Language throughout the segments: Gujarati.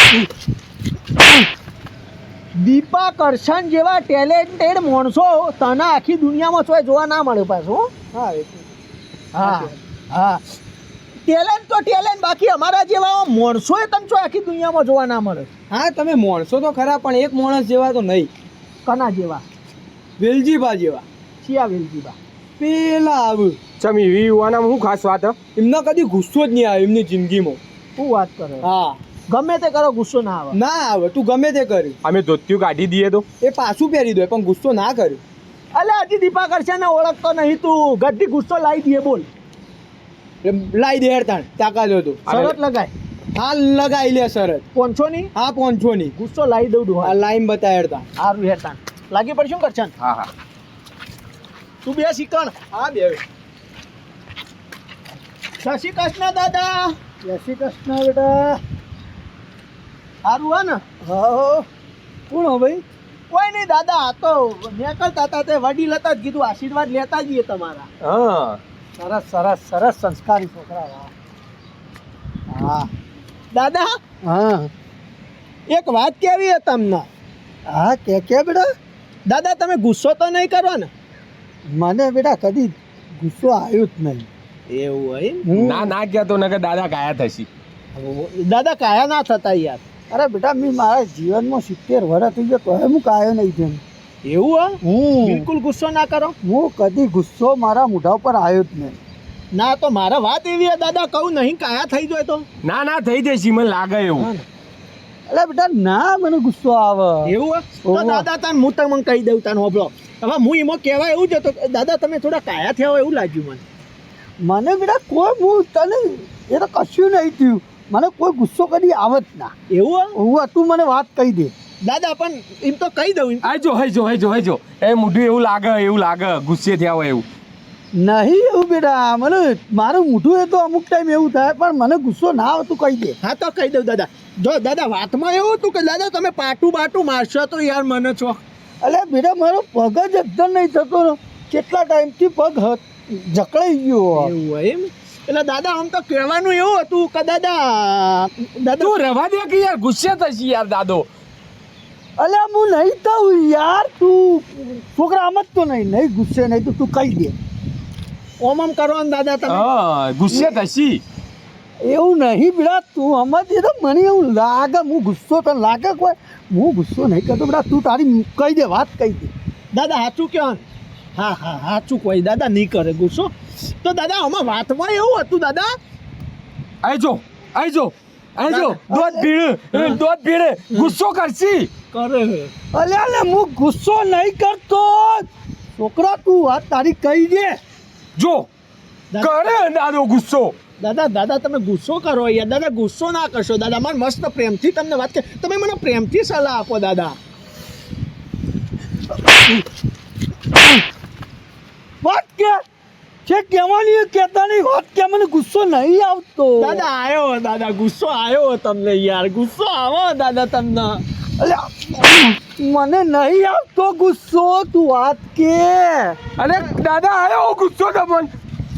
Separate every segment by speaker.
Speaker 1: દીપા કરશન જેવા ટેલેન્ટેડ માણસો તને આખી દુનિયામાં ચોય જોવા ના મળે પાછું.
Speaker 2: હા
Speaker 1: હા હા ટેલેન્ટ તો ટેલેન્ટ, બાકી અમારા જેવા માણસો તને ચોય આખી દુનિયામાં જોવા ના મળે.
Speaker 2: હા તમે માણસો તો ખરા, પણ એક માણસ જેવા તો નહીં.
Speaker 1: કના જેવા?
Speaker 2: વેલજીબા જેવા.
Speaker 1: શિયા વેલજીબા?
Speaker 2: પેલા આવું
Speaker 3: ચમ એવી યુવાનામાં શું ખાસ વાત?
Speaker 2: એમનો કદી ગુસ્સો જ નહીં આવે એમની જિંદગીમાં.
Speaker 1: શું વાત કરે?
Speaker 2: હા
Speaker 1: ગમે તે કરો ગુસ્સો ના આવે.
Speaker 2: ના આવે, તું ગમે તે કર્યું
Speaker 3: અમે ધોતિયું કાઢી દઈએ તો
Speaker 2: એ પાછું પહેરી દો પણ ગુસ્સો ના કર્યો.
Speaker 1: અલે હજી દીપા કરશન ને ઓળખતો નહીં તું, ગદ્દી ગુસ્સો લાવી દઈએ. બોલ
Speaker 2: લાઈ દે હેરતાણ તાકાત હતો.
Speaker 1: શરત લગાય.
Speaker 2: હા લગાઈ લે શરત.
Speaker 1: 500 ની?
Speaker 2: હા 500 ની
Speaker 1: ગુસ્સો લાવી દઉં
Speaker 2: આ
Speaker 1: ડુહા.
Speaker 2: લાઈન બતા હેરતાણ.
Speaker 1: સારું હેરતા લાગી પડશું કરશન.
Speaker 3: હા હા
Speaker 1: તું બે શીખણ.
Speaker 2: હા બે
Speaker 1: જય શ્રી કૃષ્ણ દાદા.
Speaker 2: જય શ્રી કૃષ્ણ બેટા.
Speaker 1: સારું હે ને?
Speaker 2: હા કોણ હો ભાઈ?
Speaker 1: કોઈ નહીં દાદા, આ તો નીકળતા હતા તે વડીલ હતા જ કીધું આશીર્વાદ લેતા જઈએ તમારા.
Speaker 3: હા
Speaker 1: સરસ સરસ સરસ સંસ્કારી છોકરા. હા દાદા,
Speaker 2: હા
Speaker 1: એક વાત કેવી છે તમને?
Speaker 2: હા કે બેટા?
Speaker 1: દાદા તમે ગુસ્સો તો નહીં કરો ને?
Speaker 2: મને બેટા કદી ગુસ્સો આવ્યો જ નહીં.
Speaker 1: એવું હોય?
Speaker 3: ના ના કહેતો નકર દાદા કાયા થશી.
Speaker 1: દાદા કાયા ના થતા યાર.
Speaker 2: અરે બેટા મેં મારા જીવનમાં 70 વર્ષ થઈ ગયો તો હું કાયો નહીં તેમ.
Speaker 1: એવું હે?
Speaker 2: હું
Speaker 1: બિલકુલ ગુસ્સો ના કરો.
Speaker 2: હું કદી ગુસ્સો મારા મોઢા ઉપર આવ્યો જ નહીં.
Speaker 1: ના તો મારા વાત એવી છે દાદા, કહું નહીં કાયા થઈ જાય તો?
Speaker 3: ના ના થઈ જશે, મને લાગે એવું.
Speaker 2: અરે બેટા ના મને ગુસ્સો આવે.
Speaker 1: એવું હે? તો
Speaker 2: ઓહો.
Speaker 1: દાદા તને હું તમને કહી દઉં તને હોબળો. હવે હું એમાં કહેવાય એવું જ હતો, દાદા તમે થોડા કાયા થયા હોય એવું લાગ્યું મને.
Speaker 2: મને બેટા કોઈ હું તને એ તો કશું નહીં થયું. મને કોઈ ગુસ્સો કદી આવે જ ના.
Speaker 1: એવું હે?
Speaker 2: હું તું મને વાત કહી દે.
Speaker 1: દાદા પણ એમ તો કહી દઉં.
Speaker 3: આજો હઈજો એ મોઢું એવું લાગે ગુસ્સે થયા હોય એવું.
Speaker 2: નહીં એવું બેટા, મને મારું મોઢું એ તો અમુક ટાઈમ એવું થાય પણ મને ગુસ્સો ના આવે તું કહી દે.
Speaker 1: હા તો કહી દઉં દાદા. જો દાદા વાતમાં એવું હતું કે દાદા તમે પાટું મારશો તો યાર મને છો.
Speaker 2: અલે બેટા મારો પગ જ એકદમ નહીં થતો ને. કેટલા ટાઈમથી પગ જકડાઈ ગયો.
Speaker 1: એવું હોય એમ? એટલે દાદા આમ તો કહેવાનું એવું હતું કે દાદા
Speaker 3: તું રવા દે કે યાર ગુસ્સે થશી યાર દાદો.
Speaker 2: અલે હું નહીં થયું યાર, તું છોકરા આમ જ તો નહીં ગુસ્સે નહીં તો તું કહી દે.
Speaker 1: ઓમ આમ કરો ને દાદા તમે.
Speaker 3: હા ગુસ્સે થશી.
Speaker 2: એવું નહીં બેટા, તું સમજ તો મને એવું લાગે હું ગુસ્સો તને લાગે કોઈ. હું ગુસ્સો નહીં કરતો બેટા, તું તારી કહી દે વાત કહી દે.
Speaker 1: દાદા સાચું કહો ને? હા હા સાચું કોઈ દાદા નહીં કરે ગુસ્સો. તો દાદા આમાં વાતમાં એવું હતું દાદા.
Speaker 3: આજો દોધ પીડે ગુસ્સો કરશી.
Speaker 1: કરે
Speaker 2: અલે હું ગુસ્સો નહીં કરતો. છોકરા તું વાત તારી કહી દે.
Speaker 3: જો કરે દાદો ગુસ્સો.
Speaker 1: દાદા તમે ગુસ્સો કરો યાર. દાદા ગુસ્સો ના કરશો દાદા. મારે મસ્ત પ્રેમથી તમને વાત કે તમે મને પ્રેમથી સલાહ આપો દાદા.
Speaker 2: વાત કે છે કહેવાની કહેતા નહીં વાત કે મને ગુસ્સો નહીં આવતો.
Speaker 1: દાદા આવ્યો દાદા, ગુસ્સો આવ્યો તમને યાર. ગુસ્સો આવો દાદા તમને.
Speaker 2: અલ્યા મને નહીં આવતો ગુસ્સો, તું વાત કે.
Speaker 3: અને દાદા આવ્યો ગુસ્સો તમને.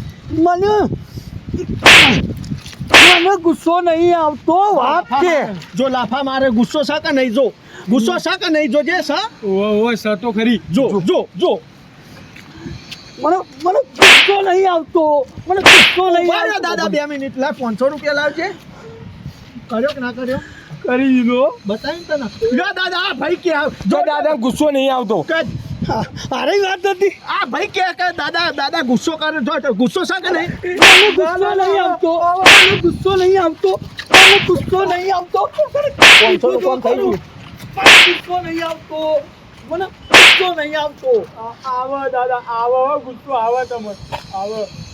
Speaker 2: મને ગુસ્સો નહીં આવતો વાત કે.
Speaker 1: જો લાફા મારે ગુસ્સો શા કે નહીં? જો ગુસ્સો શા કે નહીં? જો જે શા
Speaker 3: ઓય સતો ખરી.
Speaker 1: જો
Speaker 2: મને ગુસ્સો નહીં આવતો. મને ગુસ્સો નહીં
Speaker 1: ઉભા રહ્યો
Speaker 2: આવતો.
Speaker 1: દાદા 2 મિનિટ. લા 500 રૂપિયા લાવજે. કર્યો કે ના કર્યો?
Speaker 3: કરી દીધો.
Speaker 1: બતાવી તને. લ્યો દાદા આ ભાઈ કે
Speaker 3: જો દાદા ગુસ્સો નહીં આવતો.
Speaker 2: અરે વાત હતી.
Speaker 1: આ ભાઈ કે દાદા ગુસ્સો કરે. જો ગુસ્સો શા કે નહીં?
Speaker 2: મને ગુસ્સો નહીં આવતો. મને ગુસ્સો નહીં આવતો. મને ગુસ્સો નહીં આવતો.
Speaker 1: 500 રૂપિયા થઈ ગયું.
Speaker 2: ગુસ્સો નહીં આવતો. મને ગુસ્સો નહીં આવતો.
Speaker 1: આવો દાદા આવો, ગુસ્સો આવે તમે આવો.